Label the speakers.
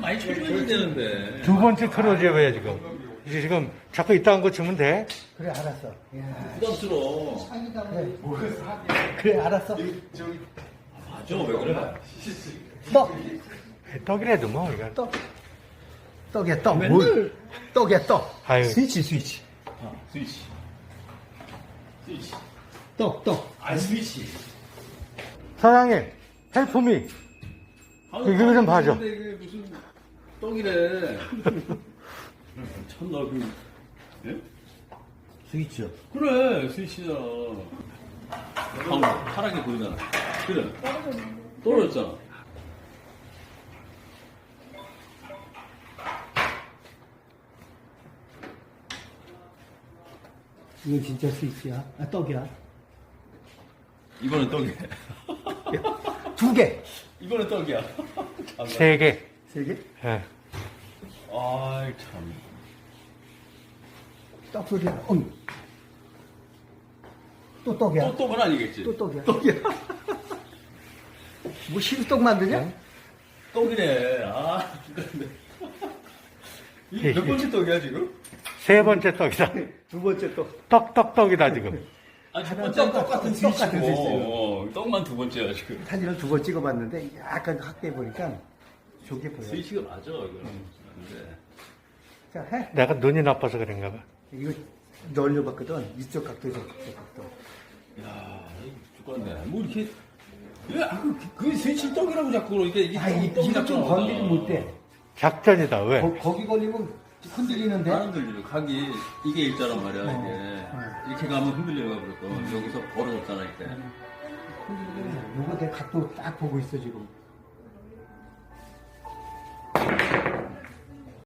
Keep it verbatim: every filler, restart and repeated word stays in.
Speaker 1: 많이 쳐줘야 되는데.
Speaker 2: 두 번째 틀어줘야 왜 지금. 이제 지금 자꾸 이딴 거 주면 돼.
Speaker 3: 그래, 알았어. 야.
Speaker 1: 부담스러워.
Speaker 3: 그래, 그래, 알았어.
Speaker 1: 맞아, 왜 그래?
Speaker 3: 떡,
Speaker 2: 떡이라도 뭐, 이거.
Speaker 3: 떡. 떡이야, 떡.
Speaker 1: 맨날-
Speaker 3: 뭘? 떡이야, 떡.
Speaker 2: 아유.
Speaker 3: 스위치, 스위치.
Speaker 1: 아, 스위치. 스위치.
Speaker 3: 떡, 떡.
Speaker 1: 아, 스위치.
Speaker 2: 사장님, 헬프미. 이거 좀 봐줘.
Speaker 1: 근데 이게 무슨 떡이래. 참나, 그, 예?
Speaker 3: 스위치요.
Speaker 1: 그래, 스위치잖아. 방금 파랗게 보이잖아. 그래. 떨어졌잖아.
Speaker 3: 이건 진짜 스위치야. 아, 떡이야.
Speaker 1: 이번엔 떡이야.
Speaker 3: 두 개.
Speaker 1: 이번엔 떡이야. 참.
Speaker 2: 세 개.
Speaker 3: 세 개?
Speaker 2: 예.
Speaker 1: 아이, 참.
Speaker 3: 떡 소리야. 음. 또 떡이야.
Speaker 1: 또 떡은 아니겠지?
Speaker 3: 또 떡이야. 떡이야. 뭐 시루떡 만드냐?
Speaker 1: 떡이네. 아, 죽겠네. 이게 몇 번째 떡이야, 지금?
Speaker 2: 세 번째 떡이다.
Speaker 3: 두 번째 떡.
Speaker 2: 떡, 떡, 떡이다, 지금.
Speaker 1: 아, 첫
Speaker 3: 하나
Speaker 1: 번째
Speaker 3: 떡
Speaker 1: 똑같은
Speaker 3: 같은
Speaker 1: 스위치고.
Speaker 3: 똑같은 스위치고.
Speaker 1: 어, 떡만 두 번째야, 지금.
Speaker 3: 사진을 두 번 찍어봤는데 약간 확대해 보니까 좋게 보여.
Speaker 1: 스위치가 맞아, 이거는. 근데.
Speaker 3: 자, 해.
Speaker 2: 내가 눈이 나빠서 그런가 봐.
Speaker 3: 이거 넓려봤거든. 이쪽 각도, 저쪽 각도.
Speaker 1: 야, 이거 죽겠네. 뭐 이렇게. 왜, 아, 그, 그 스위치 떡이라고 자꾸 그러니까 이게
Speaker 3: 아, 이,
Speaker 1: 떡이
Speaker 3: 이거
Speaker 1: 자꾸
Speaker 3: 좀
Speaker 1: 나오잖아.
Speaker 3: 건드리면 못 돼.
Speaker 2: 작전이다, 왜?
Speaker 3: 거, 거기 걸리면 흔들리는데.
Speaker 1: 안 흔들려. 각이, 이게 일자란 말이야,
Speaker 3: 어.
Speaker 1: 이게.
Speaker 3: 어.
Speaker 1: 이렇게 가면 흔들려가 그랬고, 여기서 벌어졌잖아, 이때.
Speaker 3: 흔들리면 요거 내 각도 딱 보고 있어, 지금.